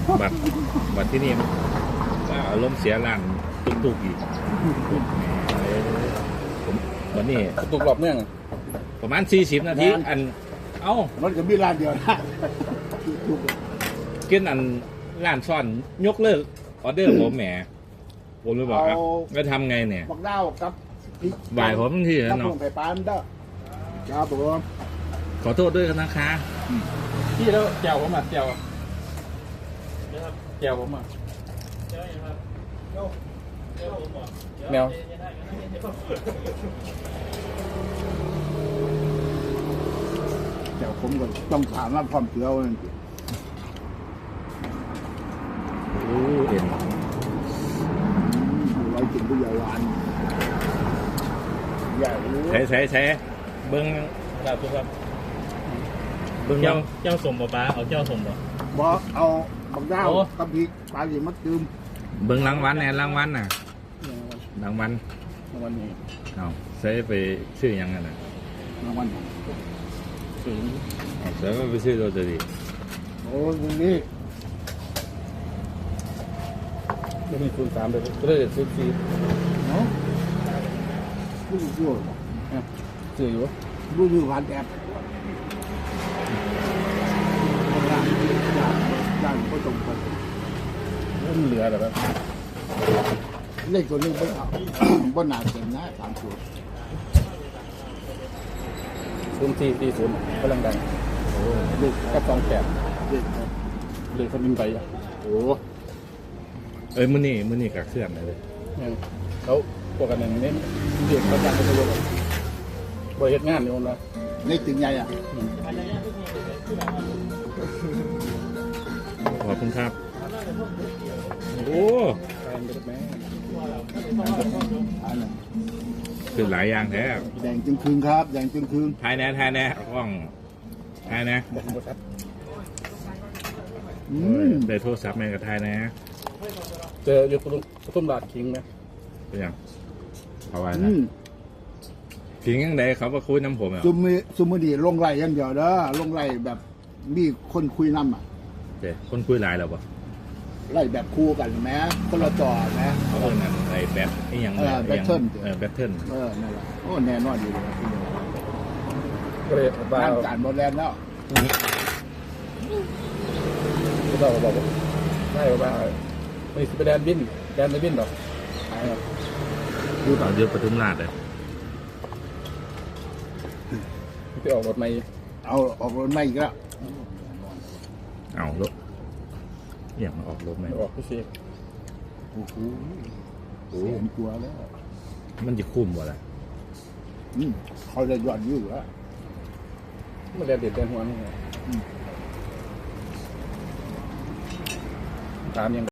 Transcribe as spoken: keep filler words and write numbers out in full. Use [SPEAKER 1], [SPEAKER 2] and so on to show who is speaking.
[SPEAKER 1] บัตรบัตรที่นี่ก็อารมณ์เสียหลังตุกๆอีกผมวันนี้
[SPEAKER 2] ตุกหลบเนื่อง
[SPEAKER 1] ประมาณสี่สิบนาทีอันเอ้า
[SPEAKER 3] มันก็มีร้านเดียวนะทุก
[SPEAKER 1] กินอันร้านซ่อนยกเลิกออเดอร์ผมแหมผมเลยบอกอ่ะแล้วทำไงเนี่ย
[SPEAKER 3] บักดาวกับพริก
[SPEAKER 1] บ่ายผมทั้งที่
[SPEAKER 3] กับ
[SPEAKER 1] เนาะ
[SPEAKER 3] ลงไข่ปลามันเด้อครับผม
[SPEAKER 1] ขอโทษด้วยกันนะคะ
[SPEAKER 2] พี่แล้วแจวผมอ่ะแจวแจวผมอ่ะแมว
[SPEAKER 3] เดี๋ยวผมก็ต้องถามว่าความเกลียวนั่น
[SPEAKER 1] โอ้เอ็น
[SPEAKER 3] อยู่ไว้กินผู้เยาว์วันใหญ่รู้
[SPEAKER 1] ใช้ใช้ใช้เบิ้งลาบทุกครับเบิ้ง
[SPEAKER 4] เจ้า
[SPEAKER 1] ยัง
[SPEAKER 4] เจ้าสมบ่ป้าเอาเจ้าสมบ่
[SPEAKER 3] บอกเอาบักดาว
[SPEAKER 4] โอ้
[SPEAKER 3] กับพริกปลาหยิมัดจืม
[SPEAKER 1] เบิ้งรางวัลแน่รางวัลน่ะรางวัล
[SPEAKER 2] วันนี้
[SPEAKER 1] เอาใช้ไปชื่อยังไงน่ะ
[SPEAKER 3] รางวัล
[SPEAKER 2] สูง
[SPEAKER 1] เอาใช้ไปชื่อตัวดี
[SPEAKER 3] โอ้ยนี่
[SPEAKER 2] ไม่มีคูณสามเลยก็เลยซื้อซี
[SPEAKER 3] เนาะรู้อยู่
[SPEAKER 2] ซื้ออยู่
[SPEAKER 3] รู้อยู่ผ่านแอปร้านร้านร้านก็ตรงกัน
[SPEAKER 2] มันเหลือแต่แบบ
[SPEAKER 3] เลขตัวนี้บ่เอาบ่น่าเต็มนะสามตัว
[SPEAKER 2] ศูนย์สี่สี่ศูนย์กำลังดัง
[SPEAKER 3] โอ้เลข
[SPEAKER 2] กับสองแปด
[SPEAKER 3] เลขครับ
[SPEAKER 2] เลยเขาบินไปอ่ะ
[SPEAKER 3] โอ้
[SPEAKER 1] เอ้ยมื้อนี้มื้อนี้กับเครื่องเลย
[SPEAKER 2] เขาพวกกันนึงเน้นเด็กเขาจ้างเขาจะรู้บริเหตุงานนี่มันละ
[SPEAKER 3] เลขถึงใหญ่อ่ะ
[SPEAKER 1] ขอบคุณครับโอ้
[SPEAKER 2] แฟนเป็นแม่
[SPEAKER 3] อันนั้น
[SPEAKER 1] คือหลายอย่างแท้
[SPEAKER 3] แดงจึงคืนครับแดงจึงคืน
[SPEAKER 1] ทายแน่ทายแน่เอากล้องทายแน่
[SPEAKER 2] บอกบริษัท
[SPEAKER 3] อื
[SPEAKER 1] โอ้ย
[SPEAKER 3] ม
[SPEAKER 1] ได้โทรศัพท์แม่กับทายแน่
[SPEAKER 2] เจออยู่ตุ้มตุ้มบาทคิงไหม
[SPEAKER 1] เป็นยังเอาไว้
[SPEAKER 3] อื
[SPEAKER 1] นะ
[SPEAKER 3] ม
[SPEAKER 1] ถึงยังไงเขามาคุยน้ำผมอ่ะ
[SPEAKER 3] ซุมมีซุมมือดีลงไล่อยังเดียวเด้อลงไล่แบบมีคนคุยนำอ่ะ
[SPEAKER 1] เจ๊คนคุยหลายแล้วปะ
[SPEAKER 3] ไล่แบบคู่กันแม้คนละจอแม้
[SPEAKER 1] เขาเอิ้นนั่นไอ้แบทไอ้หยัง
[SPEAKER 3] เออ
[SPEAKER 1] ไอ้หยัง
[SPEAKER 3] Battle
[SPEAKER 1] เออแบทเทิล
[SPEAKER 3] เออนั่นแหละโอ้แน่นอนอยู่เลย
[SPEAKER 2] ก็เลยบ้า
[SPEAKER 3] ร่างการบอลแลนด์แล้ว
[SPEAKER 2] ก็ต้องบอกว่าได้ว่าไม่สิไปแดนบินแดนไม่บินหรอกหายแล้ว
[SPEAKER 1] พูดต่อเยอะปทุมราชเลย
[SPEAKER 2] ไปออกรถไม่
[SPEAKER 3] เอาออกรถไม่อีกแล้ว
[SPEAKER 1] เอารถอย่างมาออกรถไหม
[SPEAKER 2] ออกพี่เสก
[SPEAKER 3] โอ้โหเสียงกลัวแล้ว
[SPEAKER 1] มันจะคุ้มบ่ล่ะ
[SPEAKER 3] อืมเขาจะหย่อนอยู่แล้ว
[SPEAKER 2] มันแดนเด็ดแดนหัวนี่ตามยัง